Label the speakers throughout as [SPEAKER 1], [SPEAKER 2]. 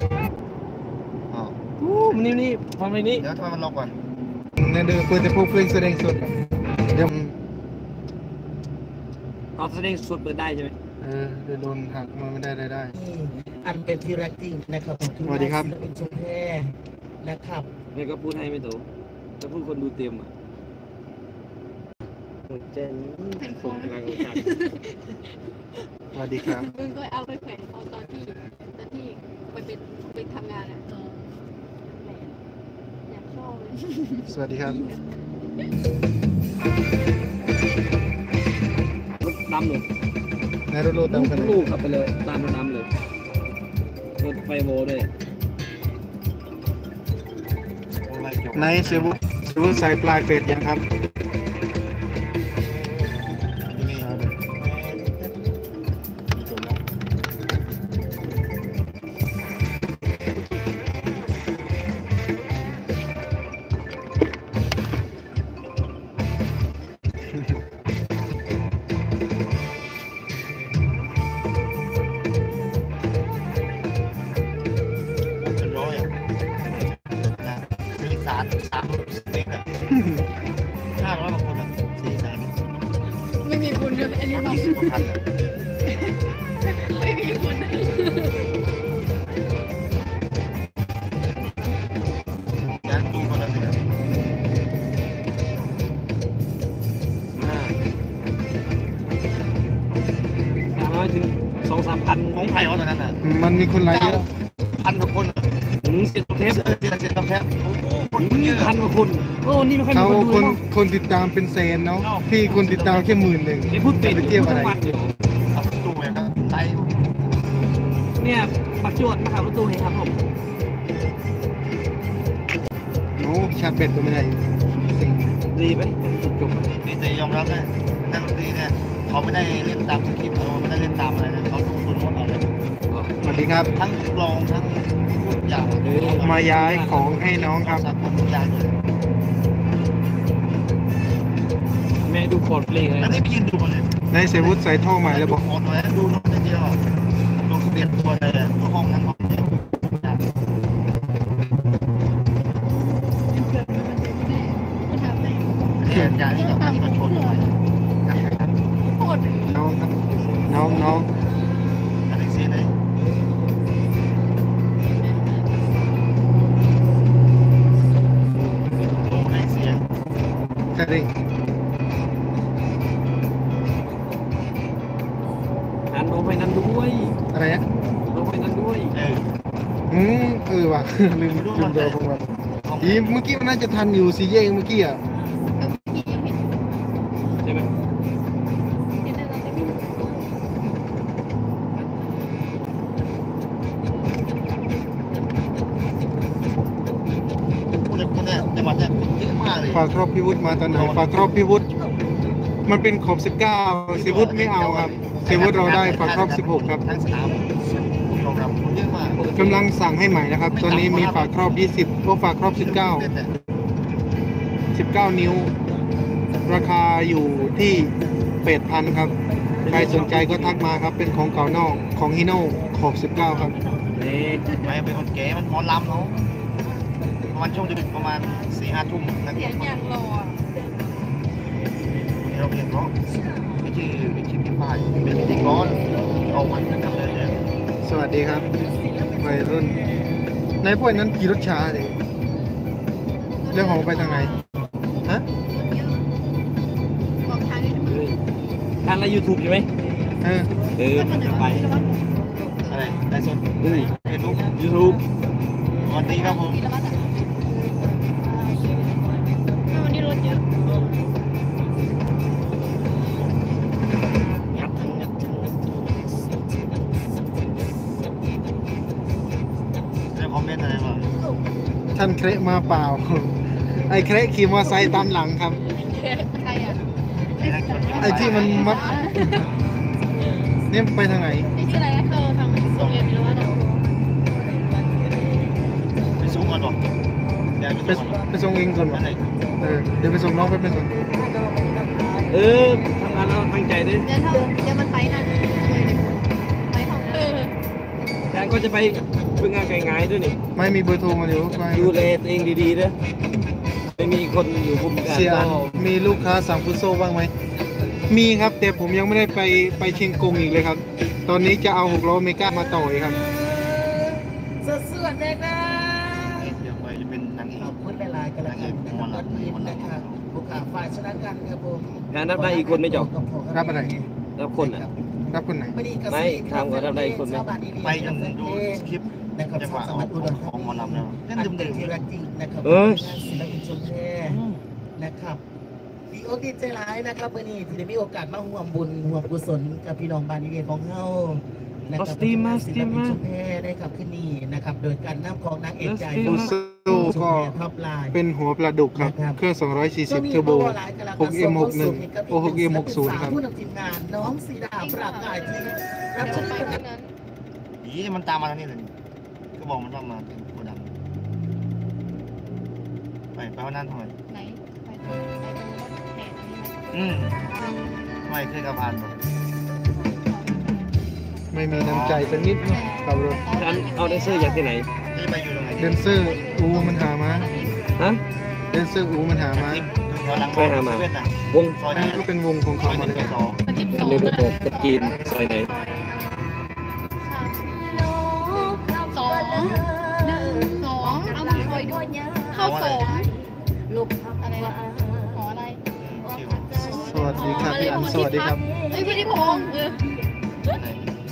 [SPEAKER 1] อ๋อ
[SPEAKER 2] มันนี่ทำอะไรนี่
[SPEAKER 1] เดี๋ยวทำไมมันล็อกก่อน
[SPEAKER 3] เนี่ยเดี๋ยวเปิดจะพูดเพลงแสดงสดเดี๋ยว
[SPEAKER 2] ตอนแสดงสดเปิดได้ใช่ไหม
[SPEAKER 3] เดี๋ยวโดนหักมันไม่ได้ได้
[SPEAKER 4] อันเป็นที่รักจริงนะครับผม
[SPEAKER 3] สวัสดีครับ
[SPEAKER 4] ศิลปินชุมแพนะครับ
[SPEAKER 2] แม่ก็พูดให้ไม่ถูกแต่พูดคนดูเต็มอ่ะเจนส่งพลังจาก
[SPEAKER 3] สวัสดีครับ
[SPEAKER 5] มึงก็เอาไปแขวนเอาตอนที่ไปทำงานอ่ะอยากชอบเลย
[SPEAKER 3] สวัสดีครับ
[SPEAKER 2] รถดำเลย
[SPEAKER 3] นายรถโลดตามกันเลย
[SPEAKER 2] ลูกขับไปเลยตามรถดำเลยรถไฟโวด้วย
[SPEAKER 3] นายเซวุใส่ปลายเฟดยังครับ
[SPEAKER 1] เป็นร้อยอ่ะนะมีสามเด็กอ่ะ500 บางคนอ่ะ400,000
[SPEAKER 5] ไม่มีคุณเลยอันนี้บอก
[SPEAKER 1] 10 กว่าพันอ่ะ
[SPEAKER 5] ไม่มีคุณเลย
[SPEAKER 1] งานดูคนละเนี่ย
[SPEAKER 2] 300 ถึง 2-3 พัน
[SPEAKER 1] ของไผ่เอาตอนนั้นอ่ะ
[SPEAKER 3] มันมีคนไลค์เยอะ
[SPEAKER 1] 9,000 กว่าคน
[SPEAKER 2] ถึง10เทป
[SPEAKER 1] เดือน10 แพ็คโอ้โหคนเยอะ
[SPEAKER 2] 1,000 กว่าคนโอ้นี่ไม่ค่อยมี
[SPEAKER 3] เขา
[SPEAKER 2] คนดู
[SPEAKER 3] คน
[SPEAKER 2] เนาะ
[SPEAKER 3] คนติดตามเป็นแสนเนาะพี่คนติดตามแค่10,000
[SPEAKER 2] ไอ้พูดเป็ด
[SPEAKER 3] ไปเที่ยวอะไร
[SPEAKER 2] ทุกวันอยู่
[SPEAKER 1] ขับรถตู้เลยครับไล่
[SPEAKER 2] เนี่ยปักจวดมาขับรถตู้เองครับผม
[SPEAKER 3] โอ้ชาร์จเบ็ดก็ไม่ได้สิ่ง
[SPEAKER 2] ดีไหมจบ
[SPEAKER 1] นี่แต่ยอมรับนะนักดนตรีเนี่ยเขาไม่ได้เล่นตามสคริปต์เขาไม่ได้เล่นตามอะไรนะเขาทุกคนหมดเอาเลย
[SPEAKER 3] สวัสดีครับ
[SPEAKER 1] ทั้งกลองทั้งทุกอย่าง
[SPEAKER 3] มาย้ายของให้น้องครับ
[SPEAKER 1] สักทุกอย่างเลย
[SPEAKER 2] แม่ดูคอร์ดเพลงเลย
[SPEAKER 1] แล้วนี่ไปยืนดูมันเลย
[SPEAKER 3] นายเซวุใส่ท่อใหม่แล้วบอก
[SPEAKER 1] ขอหน่อยดูน้องเดียวลงทะเบียนตัวเลยห้องนั้นห้องเดียวอย่าง
[SPEAKER 5] มันทำได้
[SPEAKER 1] เนี่ยอย่างที่กับที่มันชนหน่อย
[SPEAKER 5] โคตร
[SPEAKER 3] น้องครับน้อง
[SPEAKER 1] อันนี้เสียเลยโอ้ไม่เสีย
[SPEAKER 3] แค่นี้
[SPEAKER 2] หันลงไปนั้นด้วย
[SPEAKER 3] อะไรนะ
[SPEAKER 2] ลงไปนั้นด้วย
[SPEAKER 3] ว่ะ ลืมดูผมว่าอีเมื่อกี้มันน่าจะทันอยู่สี่แยกเมื่อกี้อ่ะ
[SPEAKER 5] พี่ยังเห็น
[SPEAKER 2] ใช่ไหม
[SPEAKER 5] เห็นได้ตอนที่
[SPEAKER 1] คนเนี่ยจังหวัดเนี่ยเยอะมากเลย
[SPEAKER 3] ฝากครอบพี่วุฒิมาตอนไหนฝากครอบพี่วุฒิมันเป็นขอบ19เซวุฒิไม่เอาครับเซวุฒิเราได้ฝากครอบ16ครับ
[SPEAKER 1] ทั้งสนามยอมรับเยอะมาก
[SPEAKER 3] กำลังสั่งให้ใหม่นะครับ ตอนนี้มีฝากครอบ20ก็ฝากครอบ19 นิ้ว ราคาอยู่ที่8,000ครับใครสนใจก็ทักมาครับเป็นของเก่านอกของฮิโน่ขอบ19ครับ
[SPEAKER 2] นี่
[SPEAKER 1] ไม่เป็นคนแก่มันหมอลำเนาะประมาณช่วงดึกประมาณ4-5 ทุ่มนะ
[SPEAKER 5] เสียงอย่างรอ
[SPEAKER 1] เราเพียงเพราะไม่ใช่พี่ป้ายเป็นพิธีกรเอามันทำเลยเนี่ย
[SPEAKER 3] สวัสดีครับวัยรุ่นในพวกนั้นขี่รถช้าเลยเรื่องของไปทางไหนฮะ
[SPEAKER 5] บอกทางนี้ทำไม
[SPEAKER 2] ทางใน YouTube ใช่ไหม มันจะไป
[SPEAKER 1] อะไรไลฟ์สดเฟซบุ๊ก
[SPEAKER 2] YouTube
[SPEAKER 1] สวัสดีครับผม
[SPEAKER 5] ทีละวัดอ่ะวันนี้รถเยอะ
[SPEAKER 1] ได้คอมเมนต์อะไรบ้าง
[SPEAKER 3] ท่านเคระมาเปล่า ไอ้เคระขี่มอเตอร์ไซค์ตามหลังครับ
[SPEAKER 5] ใครอ่ะ
[SPEAKER 3] ไอ้ที่มันมัดนี่ไปทางไหน
[SPEAKER 5] นี่ชื่ออะไรนะเออทางโรงเรียนทีละวัดอ่ะ
[SPEAKER 1] ไปสูงก่อนบอกเดี๋ยว
[SPEAKER 3] ไป
[SPEAKER 1] ไปสูงก่อน
[SPEAKER 3] ไปส่งเองก่อนวะ
[SPEAKER 1] นั่นไหน
[SPEAKER 3] เดี๋ยวไปส่งน้องไปเป็นส่ง
[SPEAKER 2] ทำงานแล้วตั้งใจด้วย
[SPEAKER 5] เดี๋ยวมันไปนั่นไปของ
[SPEAKER 2] แทนก็จะไปเป็นงานง่ายๆด้วยนี่
[SPEAKER 3] ไม่มีเบอร์โทรมาเดี๋ยวไป
[SPEAKER 2] ดูแลตัวเองดีๆนะไม่มีคนอยู่คุมการ
[SPEAKER 3] เสียอัน
[SPEAKER 2] ก็
[SPEAKER 3] มีลูกค้าสั่งฟุตโซบ้างไหมมีครับแต่ผมยังไม่ได้ไปเชียงกงอีกเลยครับ ตอนนี้จะเอา6 ล้อเมกามาต่ออีกครับ
[SPEAKER 4] สวดๆเลยนะ
[SPEAKER 1] เดี๋ยวไปจะเป็นนางเอ
[SPEAKER 4] ขอก บคุณหลายๆกันแล้วกันนะครับตอนนี้นะครับผู้ขาฝ่ายชนะกันครับผม
[SPEAKER 2] งานรับได้อีกคนไหม่จบ
[SPEAKER 3] รับอะไร
[SPEAKER 2] รับคนอ่ะ
[SPEAKER 3] รับคนไหน
[SPEAKER 2] ไม่ทำกับเราได้คนไหม
[SPEAKER 1] ไปจนดูคลิป
[SPEAKER 4] นะครับ
[SPEAKER 1] จังหวะ
[SPEAKER 4] ส
[SPEAKER 1] เอา
[SPEAKER 4] มัครอุดร
[SPEAKER 1] ของหมอลำแล้วเล่น
[SPEAKER 4] อัน
[SPEAKER 1] ดื่
[SPEAKER 4] เป็น
[SPEAKER 1] ม
[SPEAKER 4] ที่รักจริงนะครับ
[SPEAKER 2] เออ
[SPEAKER 4] ศิลปินชมแพรนะครับดีอกดีใจร้ายนะครับวันนี้ที่ได้มีโอกาสมาร่วมบุญร่วมกุศลกับพี่น้องบ้านนี้เองของเฮานะครับ
[SPEAKER 2] สตีมา
[SPEAKER 4] ศิลปินชมแพรได้ครับขึ้นนี่นะครับโดยการนำของนางเอกใจ
[SPEAKER 3] ฟุตโซก็
[SPEAKER 4] ท็อปไลน์
[SPEAKER 3] เป็นหัวปลาดุกครับ เครื่อง 240 เทอร์โบ 6M61 โอ้ 6M60 ครับ
[SPEAKER 4] ผู้นำทีมงานน้องสีดาปราบกายที่รับ
[SPEAKER 5] จะ
[SPEAKER 4] ชม
[SPEAKER 5] ไป
[SPEAKER 4] กั
[SPEAKER 5] ทาน งนั้น
[SPEAKER 1] ผีมันตามมาทางนี้เลยก็บอกมันต้องมาโกดังไปวันนั้นทำไม
[SPEAKER 5] ไหนไปทางไหนตรงรถแห่ตรงนี้ไหม
[SPEAKER 1] ทำไมเคยกับผ่านบ่
[SPEAKER 3] ไม่มีน้ำใจสักนิดเนอะขับรถ
[SPEAKER 2] ฉันเอาแดนเซอร์จากที่ไหน
[SPEAKER 1] ที่ไปอยู่ตรงไหน
[SPEAKER 3] เดนเซอร์อูมันหามา
[SPEAKER 2] ฮะ
[SPEAKER 3] เดนเซอร์อูมันหามา
[SPEAKER 1] ย้อนหลังเวทน่ะ
[SPEAKER 2] วง
[SPEAKER 1] ซอย
[SPEAKER 3] อัน
[SPEAKER 1] นี้
[SPEAKER 3] นี้ก็เป็นวงของ
[SPEAKER 1] ซ
[SPEAKER 3] เขา
[SPEAKER 1] อย
[SPEAKER 3] มา
[SPEAKER 1] หนึ่ง
[SPEAKER 3] เลย
[SPEAKER 1] ซอยสอง
[SPEAKER 5] มันติด
[SPEAKER 2] อั
[SPEAKER 5] ส
[SPEAKER 2] น
[SPEAKER 5] อง
[SPEAKER 2] นี้
[SPEAKER 5] นะ
[SPEAKER 2] เป็นตะกีนซอยไหน
[SPEAKER 5] สองหนึ่งสองเอามาคอยดูเข้าสองลูกอะไรนะหออะไร
[SPEAKER 3] สวัสดีครับพี่อันสวัสดีครับ
[SPEAKER 5] เฮ้ยพี่นิพงศ์
[SPEAKER 1] ไหน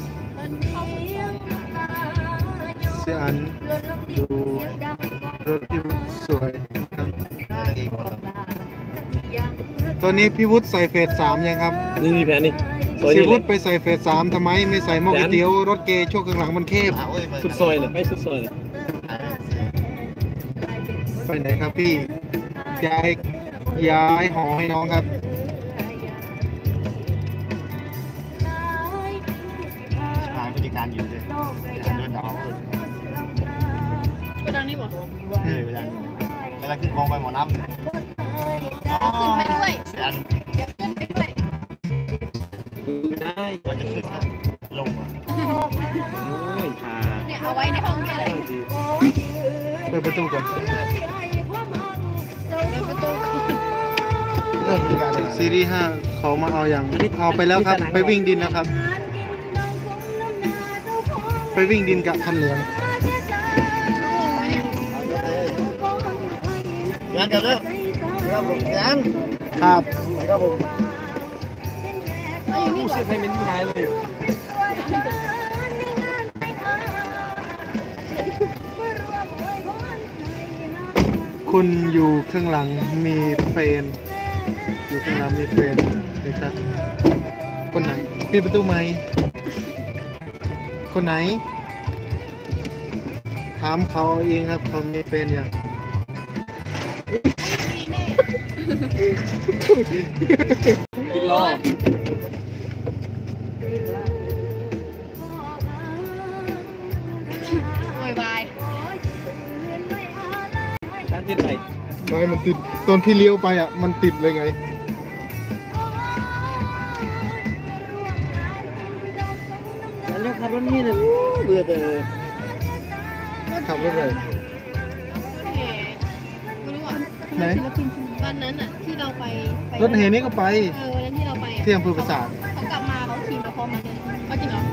[SPEAKER 3] เสียอันดูรถที่สวยครับ
[SPEAKER 1] เองหมดแล้ว
[SPEAKER 3] ตอนนี้พี่วุฒิใส่เฟส3ยังครับ
[SPEAKER 2] นี่มีแผนนี่ซอย
[SPEAKER 3] พี่
[SPEAKER 2] นี้เล
[SPEAKER 3] วุ
[SPEAKER 2] ย
[SPEAKER 3] ฒิไปใส่เฟส3ทำไมไม่ใส่หม้อก๋วยเตี๋ยวรถเกย์ช่วงข้างหลังมันเทพ
[SPEAKER 1] โอ้ย
[SPEAKER 2] สุดซอยเลยไม่สุดซอยเลย
[SPEAKER 3] ไปไหนครับพี่ย้ายหอให้น้องครับ
[SPEAKER 1] หาพฤติการอยู่เลยเดินดาว
[SPEAKER 5] ก็ดังนี่หมด
[SPEAKER 1] เวลาขึ้นกองไปหมอน้ำ
[SPEAKER 5] ขึ้นไปด้วย
[SPEAKER 1] เสียน
[SPEAKER 5] เดี๋ยวขึ้นไปด้วย
[SPEAKER 2] ดูได้
[SPEAKER 1] มันจะขึ้นลง
[SPEAKER 2] โอ้ยค่ะ
[SPEAKER 5] เนี่ยเอาไว้ในห้องเนี่ยเลย
[SPEAKER 3] เปิดประตูก่อน
[SPEAKER 5] เดินประตู
[SPEAKER 3] ซีรีส์5เขามาเอาอย่างเอาไปแล้วครับ ไปวิ่งดินนะครับ ไปวิ่งดินกับคันเหลือง
[SPEAKER 1] งานกันเลิกครับผมงาน
[SPEAKER 3] ครับ
[SPEAKER 1] ครับผม
[SPEAKER 5] เอาอยู่นี่
[SPEAKER 2] รู้
[SPEAKER 5] ก่อ
[SPEAKER 2] สึ
[SPEAKER 5] น
[SPEAKER 2] กให้มันง่ายเลย
[SPEAKER 3] คุณอยู่ข้างหลังมีเฟนอยู่ข้างหลังมีเฟนนะครับคนไหนปิดประตูไหมคนไหน ถามเขาเองครับเขามีเฟนอย่าง
[SPEAKER 2] กินล้อ
[SPEAKER 5] โวยวาย
[SPEAKER 2] การที่ไหน
[SPEAKER 3] ไม่มันติดตอนพี่เลี้ยวไปอ่ะมันติดเลยไง
[SPEAKER 2] แล้วขับรถนี่เลยเบื่อแต่
[SPEAKER 3] ขับรถเลย
[SPEAKER 5] แห่ไม่รู้อ่ะ
[SPEAKER 3] ไหน
[SPEAKER 5] วันนั้นอ่ะที่เราไป
[SPEAKER 3] รถเฮนี่ก็ไป
[SPEAKER 5] วันนั้นที่เราไป
[SPEAKER 3] ที่อำเภอปราสาท
[SPEAKER 5] เขากลับมาเขาขี่มาพร้อมกันเลยเอาจริงเหรอ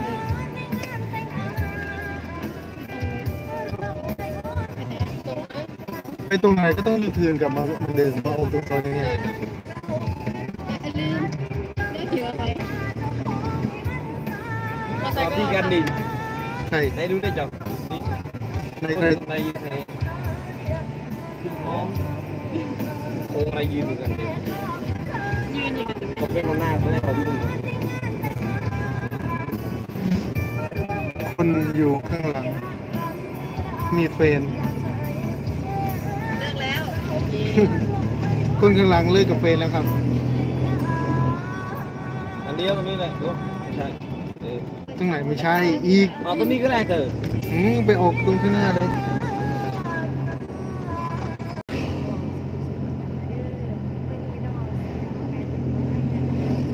[SPEAKER 3] ไปตรงไหนก็ต้องยูเทิร์นกลับมาเหมือนเดิมมาออกตรงซอยนี้
[SPEAKER 5] ลืมไม่ถืออะไรมาใส่
[SPEAKER 2] ที่กันดิ
[SPEAKER 3] ใช่
[SPEAKER 2] ไหนดูได้จับ
[SPEAKER 3] ใน
[SPEAKER 2] ในในน้องโอ้มายืนกันดิ
[SPEAKER 5] ยืนอยู่กัน
[SPEAKER 2] ผมเป็นคนหน้าเขาได้เขายืน
[SPEAKER 3] คนอยู่ข้างหลัง มีเฟน
[SPEAKER 5] เลิกแล้วโอเค
[SPEAKER 3] คนข้างหลังเลิกกับเฟนแล้วครับ
[SPEAKER 2] อันเดียวตรงนี้แหละดูใช่เออ
[SPEAKER 3] ตรงไหนไม่ใช่อีก
[SPEAKER 2] เอาตรงนี้ก็ได้เถอะ
[SPEAKER 3] ไปออกตรงข้างหน้าเลย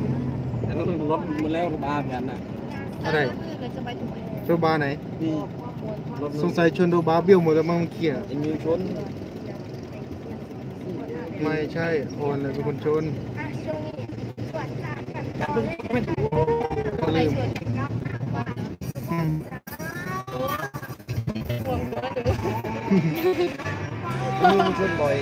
[SPEAKER 2] แต่รถมันแล้วบ้ากันน่ะ
[SPEAKER 3] อะไร
[SPEAKER 5] เราจะไปตรงไหน
[SPEAKER 3] โซบาไหน
[SPEAKER 2] นี่รถ
[SPEAKER 3] สงสัยชนโดบาเบี้ยวหมดแล้วมั้งเมื่อกี้อะ
[SPEAKER 2] ไอ้มิวชน
[SPEAKER 3] ไม่ใช่โอนเลยเป็นคนชนเขาลืมอืม
[SPEAKER 2] มิวชนบ่อย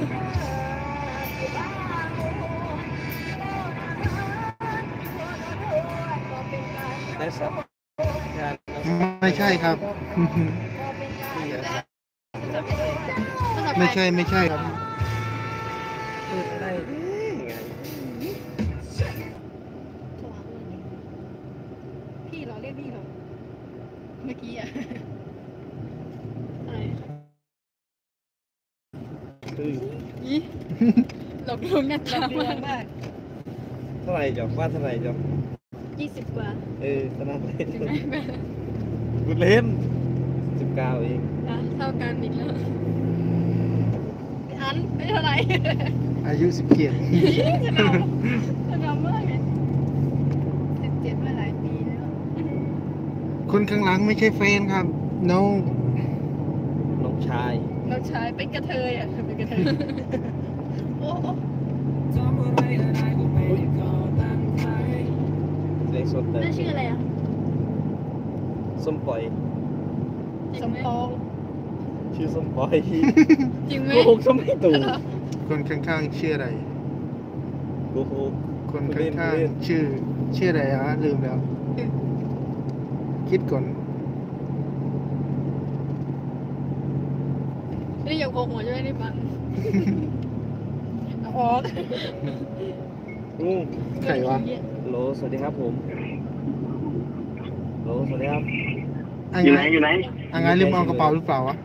[SPEAKER 2] ได้สักงาน
[SPEAKER 3] ไม่ใช่ครับ ไม่ใช่ไม่ใช่ครับ
[SPEAKER 2] ได้ไง
[SPEAKER 5] พี่เหรอเรียกพี่เหรอเมื่อกี้อะอะไร
[SPEAKER 2] คือ
[SPEAKER 5] อีหลอกลวงกันจ้ามาก
[SPEAKER 2] เท่าไหร่จอกว่าเท่าไหร่จอก
[SPEAKER 5] 20 กว่า
[SPEAKER 2] ขนาดเล่น
[SPEAKER 5] ถึงไหมแม่
[SPEAKER 2] กูเล่น19เอง
[SPEAKER 5] อ่ะเท่ากันอีกแล้วอันไม่เท่าไหร่
[SPEAKER 3] อายุ17
[SPEAKER 5] จะนำมากเลย17มาหลายปีแล้ว
[SPEAKER 3] คนข้างหลังไม่ใช่แฟนครับ น้อง
[SPEAKER 2] น้องชาย
[SPEAKER 5] เราใช้เป็นกระเทยอ่ะเป็นกระเทยโอ้โห
[SPEAKER 2] เสียงสดเลย
[SPEAKER 5] นั่นชื่ออะไรอ่ะ
[SPEAKER 2] ส้มปล่อย
[SPEAKER 5] สมปอง
[SPEAKER 2] ชื่อส้มปล่อย
[SPEAKER 5] จริงไหม
[SPEAKER 2] โกหกส้มไม่ตู่
[SPEAKER 3] คนข้างๆชื่ออะไร
[SPEAKER 2] โกหก
[SPEAKER 3] คนข้างๆชื่ออะไรอ่ะลืมแล้ว คิดก่อน
[SPEAKER 5] ไม่ได้อยากโกงหัวจะไม่ได้ฟังเอาออก
[SPEAKER 3] ใครวะ
[SPEAKER 2] โหลสวัสดีครับผมโหลสวัสดีครับ
[SPEAKER 3] อยู่ไหนอ่ะงั้นลืมเอากระเป๋าหรือเปล่าวะ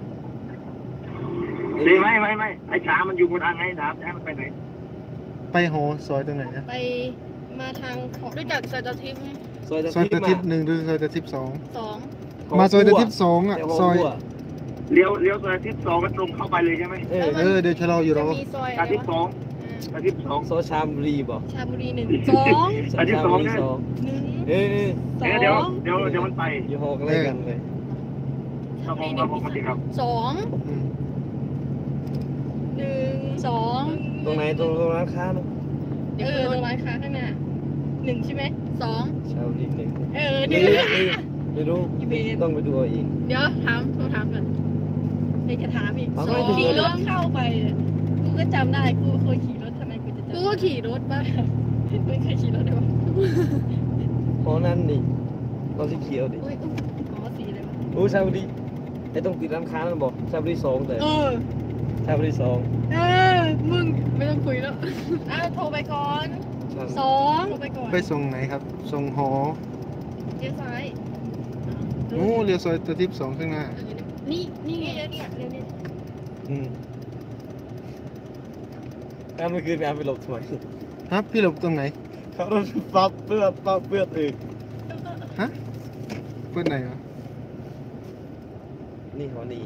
[SPEAKER 6] ไม่ไอ้ช้ามันอยู่บนทางไงถามช้ามันไปไหน
[SPEAKER 3] ไปหอซอยตรงไหนนะ
[SPEAKER 5] ไปมาทางของรู้จักซอยตะทิพย์ไหม
[SPEAKER 2] ซอย
[SPEAKER 3] ซอยตะทิพ
[SPEAKER 2] มา
[SPEAKER 3] ย์1หรือซอยตะทิพย์
[SPEAKER 5] 2
[SPEAKER 3] 2มาซอยตะทิพย์2อ่ะ ซอย
[SPEAKER 6] เลี้ยวซอยทิศ2ก็ตรงเข้าไปเลยใช่ไหม
[SPEAKER 3] เดี๋ยวชะลออยู่
[SPEAKER 5] จะ
[SPEAKER 3] รอ
[SPEAKER 5] มีซอยอะ
[SPEAKER 6] อา
[SPEAKER 5] ไร
[SPEAKER 6] ทิตย์
[SPEAKER 5] วะ
[SPEAKER 6] 2อาทิตย์2
[SPEAKER 2] โซชามรีบอก
[SPEAKER 5] ชาบุรี1 2
[SPEAKER 6] อันที่สองนะ
[SPEAKER 2] เอ้ย
[SPEAKER 6] เดี๋ยวมันไป
[SPEAKER 2] อยู่หอกอะไรกันเลย
[SPEAKER 6] ครับผมครับผมสวัสดีครับ
[SPEAKER 5] 2
[SPEAKER 3] อืม
[SPEAKER 5] 1 2
[SPEAKER 2] ตรงไหนตรงร้านค้าเนอะ
[SPEAKER 5] ตรงร้านค้าข้างหน้า1ใช่ไหม2
[SPEAKER 2] ชาวรีหนึ่ง
[SPEAKER 5] นี่
[SPEAKER 2] ไม่รู้
[SPEAKER 5] อีเบน
[SPEAKER 2] ต้องไปดูเอาเอง
[SPEAKER 5] เดี๋ยวโทรถามก่อนเดี๋ยวจะถามอีก
[SPEAKER 2] ถาม
[SPEAKER 5] ส
[SPEAKER 2] ไม่
[SPEAKER 5] อง
[SPEAKER 2] ถูก
[SPEAKER 5] ขี่รถเข้าไปเนี่ยกูก็จำได้กูเคยขี่รถทำไมกูจะจำกูก็ขี่รถป่ะไม่เคยขี่รถเลยวะ
[SPEAKER 2] เพราะนั่นนี่เราสีเขียวดิ
[SPEAKER 5] อุ้ยอ๋อสีอะไรวะ
[SPEAKER 2] โอ้ชาวรีไอ้ต้องติดร้านค้ามันบอกชาวรี2แต่ชาวรี2
[SPEAKER 5] มึงไม่ต้องคุยแล้วโทรไปก่อน2โทรไปก่อน
[SPEAKER 3] ไปส่งไหนครับ ส่งหอ
[SPEAKER 5] เลี้ยวซ้าย
[SPEAKER 3] โอ้เลี้ยวซอยตะทิพย์2ข้างหน้า
[SPEAKER 5] นี่ไงเนี่ยเลี้ยวเนี่ย
[SPEAKER 2] ถ้าเมื่อคืนไปหลบทำไม
[SPEAKER 3] ฮะพี่หลบตรงไหน
[SPEAKER 2] เขาโดนปั๊บเปื้อนอีก
[SPEAKER 3] ฮะเพื่อนไหนวะ
[SPEAKER 2] นี่เขานี่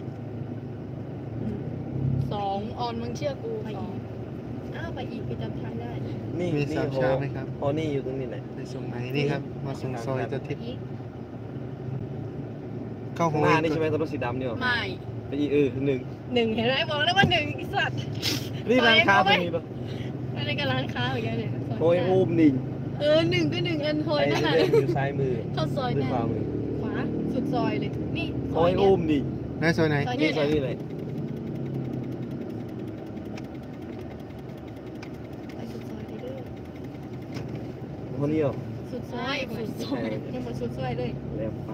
[SPEAKER 5] 2ออนมึงเชื่อกูไปอีกไปอีกไปจำทางได้
[SPEAKER 2] นี่
[SPEAKER 3] มี
[SPEAKER 2] นี่
[SPEAKER 3] สาม
[SPEAKER 2] ฮอ
[SPEAKER 3] ชาไหมครับ
[SPEAKER 2] ฮอนี่อยู่ตรงนี้ไหน
[SPEAKER 3] ไปส่งไหนนี่ครับ มาส่งซอยตะทิพย์
[SPEAKER 5] อีก
[SPEAKER 3] เข้าห
[SPEAKER 2] ข้า
[SPEAKER 3] อง
[SPEAKER 2] หน้านี่
[SPEAKER 3] อีก
[SPEAKER 2] ใช่ไหมตัวรถสีดำเนี่ย
[SPEAKER 5] ไม่
[SPEAKER 2] ไปอีกหนึ่ง
[SPEAKER 5] 1เห็นไหมบอกแล้วว่า1ไอ้สัตว์
[SPEAKER 2] นี่ร้านค้าตรงนี้ปะ
[SPEAKER 5] อะไรกับร้านค้าเหมือนกันเนี่ย
[SPEAKER 2] โอ้ยอุ้มนี่
[SPEAKER 5] 1ก็1อันโทย
[SPEAKER 2] ไอ้
[SPEAKER 5] นั่นแหละ
[SPEAKER 2] เรื่องอยู่ซ้ายมือ
[SPEAKER 5] เข้าซอย
[SPEAKER 2] ด้วย
[SPEAKER 5] เนี่ย
[SPEAKER 2] ขวามือ
[SPEAKER 5] ขวาสุดซอยเลยนี่ซ
[SPEAKER 2] โอ้
[SPEAKER 5] อย
[SPEAKER 2] ย
[SPEAKER 5] เนี่ย
[SPEAKER 2] อุ้มนี่
[SPEAKER 3] ไหนซอยไหน
[SPEAKER 5] ซอย
[SPEAKER 2] นี่
[SPEAKER 5] เนี่ย
[SPEAKER 2] ซอยนี่เลย
[SPEAKER 5] ไปสุดซอยเลยเด้อ
[SPEAKER 2] คนนี้เหรอ
[SPEAKER 5] สุดซอยยังหมดสุดซอยเลย
[SPEAKER 2] แล้วไป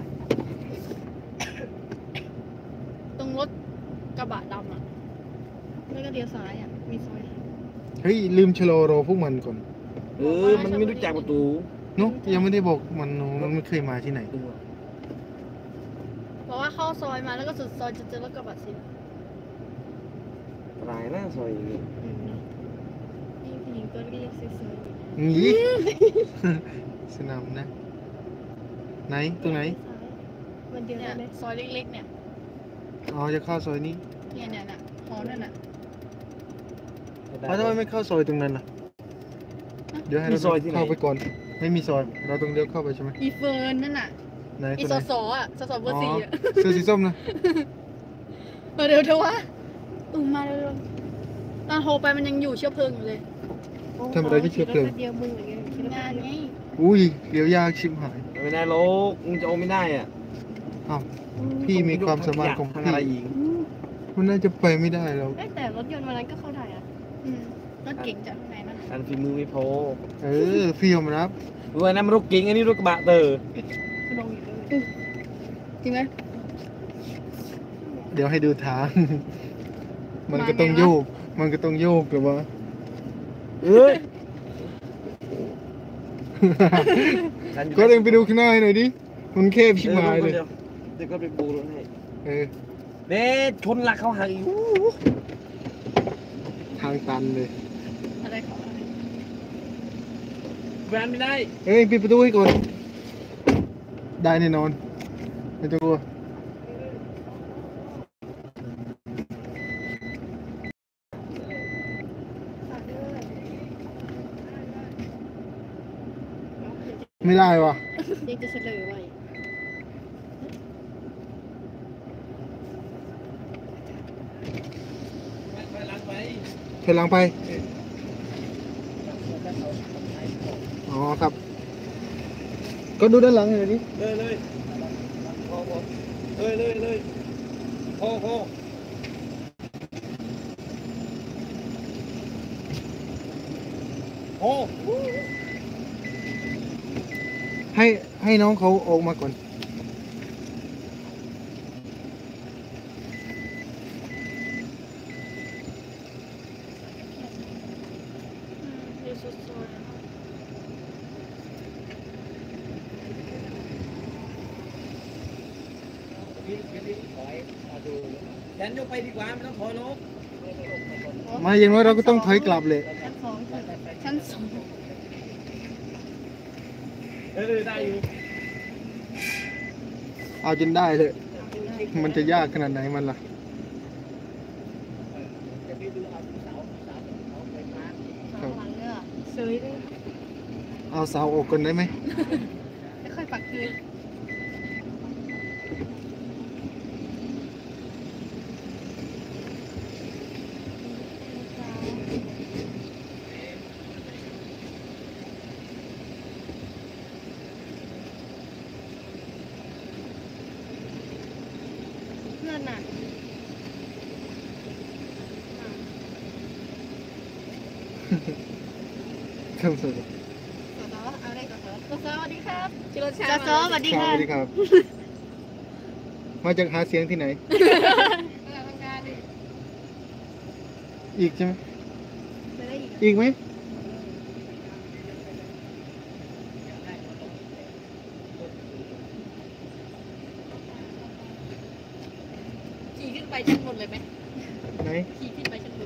[SPEAKER 5] ตรงรถกระบะดำอ่ะไม่ก็เลี้ยวซ้ายอ่ะมีซอย
[SPEAKER 3] เฮ้ยลืมชะลอรอพวกมันก่อน
[SPEAKER 2] มันไม่รู้จักประตู
[SPEAKER 3] เนุ๊ยังไม่ได้บอกมันมันไม่เคยมาที่ไหน
[SPEAKER 5] เพราะว่าเข้าซอยมาแล้วก็สุดซอยจะเจอรถกระบะสี
[SPEAKER 2] ตายหน้าซอยอย่างนี้
[SPEAKER 5] นี่ผู้หญิงตัวเล็กๆสวย
[SPEAKER 3] งี้ สนามนะ ไหน
[SPEAKER 5] ๆ
[SPEAKER 3] ตรงไหน
[SPEAKER 5] มันเดียวกันเลยซอยเล็กๆเนี่ย
[SPEAKER 3] อ๋อ จะเข้าซอยนี้
[SPEAKER 5] เนี่ยหอนั่นน่ะ
[SPEAKER 3] ทำไมไม่เข้าซอยตรงนั้นล่ะ เดี๋ยวให้เราเข้าไปก่อน ไม่มีซอย เราต้องเลี้ยวเข้าไปใช่ไหม
[SPEAKER 5] อีเฟิร์นนั่นน่ะ
[SPEAKER 3] ไหน
[SPEAKER 5] อี
[SPEAKER 3] ตัว
[SPEAKER 5] ส
[SPEAKER 3] ไหน
[SPEAKER 5] สอ่ะสสเบอร์สี่อ่ะ
[SPEAKER 3] เสื้อสีส้มนะ
[SPEAKER 5] เดี๋ยววะมาเร็วๆตอนโทรไปมันยังอยู่เชื้อเพลิงอยู่เลย
[SPEAKER 3] ทำอะไรที่เชื้อเพลิง
[SPEAKER 5] เดียวมืออย่างเงี้ยงานไง
[SPEAKER 3] อุ้ยเดี๋ยวยากชิบหาย
[SPEAKER 2] ไม่ได้โลกมึงจะโอไม่ได้อ่ะ
[SPEAKER 3] อ้าวพี่มีความสามารถของ
[SPEAKER 2] ทาง
[SPEAKER 3] พี่
[SPEAKER 2] อะไรอีก
[SPEAKER 3] มันน่าจะไปไม่ได้แล้ว
[SPEAKER 5] แต่รถยนต์วันนั้นก็เข้าได้อะรถเก่งจากไหนนั่น
[SPEAKER 2] อันฝีมือไม่พอ
[SPEAKER 3] เออพี่ยอมรับ
[SPEAKER 2] เว้ยนั่นมันรถเก๋งอันนี้รถกระบะเตอร์
[SPEAKER 5] ลงอยู่ด้วยจริงไหม
[SPEAKER 3] เดี๋ยวให้ดูทาง มันก็ต้องโยก มันก็ต้องโยกหรือว่า
[SPEAKER 2] เอ้ย
[SPEAKER 3] ก็เองไปดูข้างหน้าให้หน่อยดิ มันแคบชิบหายเลย
[SPEAKER 2] เดี๋ยวก็ไปบูรถให้
[SPEAKER 3] เออ
[SPEAKER 2] เด็ดชนหลักเขาหักอีก
[SPEAKER 3] ทางตันเลย
[SPEAKER 5] อะไรของอะไร
[SPEAKER 2] แวนไม่ได้
[SPEAKER 3] เอ้ยปิดประตูให้ก่อน ได้แน่นอน ไม่ต้องกลัว ไม่ได้วะ
[SPEAKER 5] ยังจะเฉลยไว้
[SPEAKER 3] ถอยหลังไป อ๋อครับ ก็ดูด้านหลังหน่อยดิ
[SPEAKER 2] เลยพอเลยพอโอ้
[SPEAKER 3] ให้น้องเขาออกมาก่อน
[SPEAKER 5] อยู่สุด
[SPEAKER 2] ฉันยกไปดีกว่าไม่ต้องถอยลง
[SPEAKER 3] มาอย่างน้อยเราก็ต้องถอยกลับเลย
[SPEAKER 5] ชั้นสองชั้นสอง
[SPEAKER 2] ได้อยู่
[SPEAKER 3] เอาจนได้เลย มันจะยากขนาดไหนมันล่ะ
[SPEAKER 5] ข้างหลังเนี่ยเฉยเลย
[SPEAKER 3] เอาเสาออกก่อนได้ไหม
[SPEAKER 5] ไม่ค่อยปักคืน เพื่อนน่ะ
[SPEAKER 3] ครับสวัสดี
[SPEAKER 5] สสอะไรสสสสวัสดีครับจิโรชาสสวัสดี
[SPEAKER 3] ค
[SPEAKER 5] ค่ะ
[SPEAKER 3] รับสวัสดีครับ มาจากหาเสียงที่ไหน
[SPEAKER 5] ทำงานดิ
[SPEAKER 3] อีกใช่ไหม
[SPEAKER 5] ไปได้อีก
[SPEAKER 3] อีกไหม
[SPEAKER 5] ขี่ขึ้นไปชั้นบนเลยไหม
[SPEAKER 3] ไหน
[SPEAKER 5] ขี่ขึ้นไปชั้นบน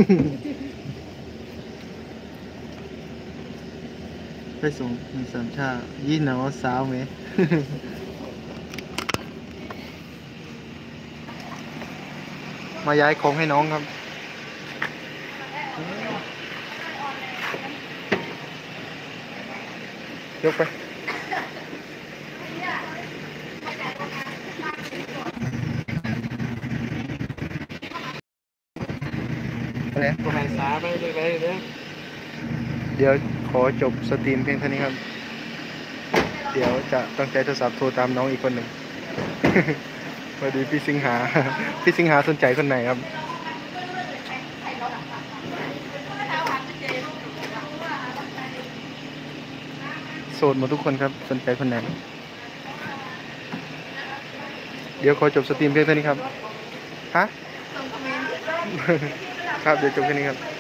[SPEAKER 3] ไปส่งมีสามชายี่หนอสาวไหม มาย้ายของให้น้องครับ ยกไป อะไร
[SPEAKER 2] ตัวไหนสาไปเลยเนี่ย
[SPEAKER 3] เดี๋ยวขอจบสตรีมเพียงเท่านี้ครับ เดี๋ยวจะตั้งใจโทรศัพท์โทรตามน้องอีกคนหนึ่ง สวัสดีพี่สิงหา พี่สิงหาสนใจคนไหนครับ โสดหมดทุกคนครับ สนใจคนไหน เดี๋ยวขอจบสตรีมเพียงเท่านี้ครับ ฮะ ครับ เดี๋ยวจบแค่นี้ครับ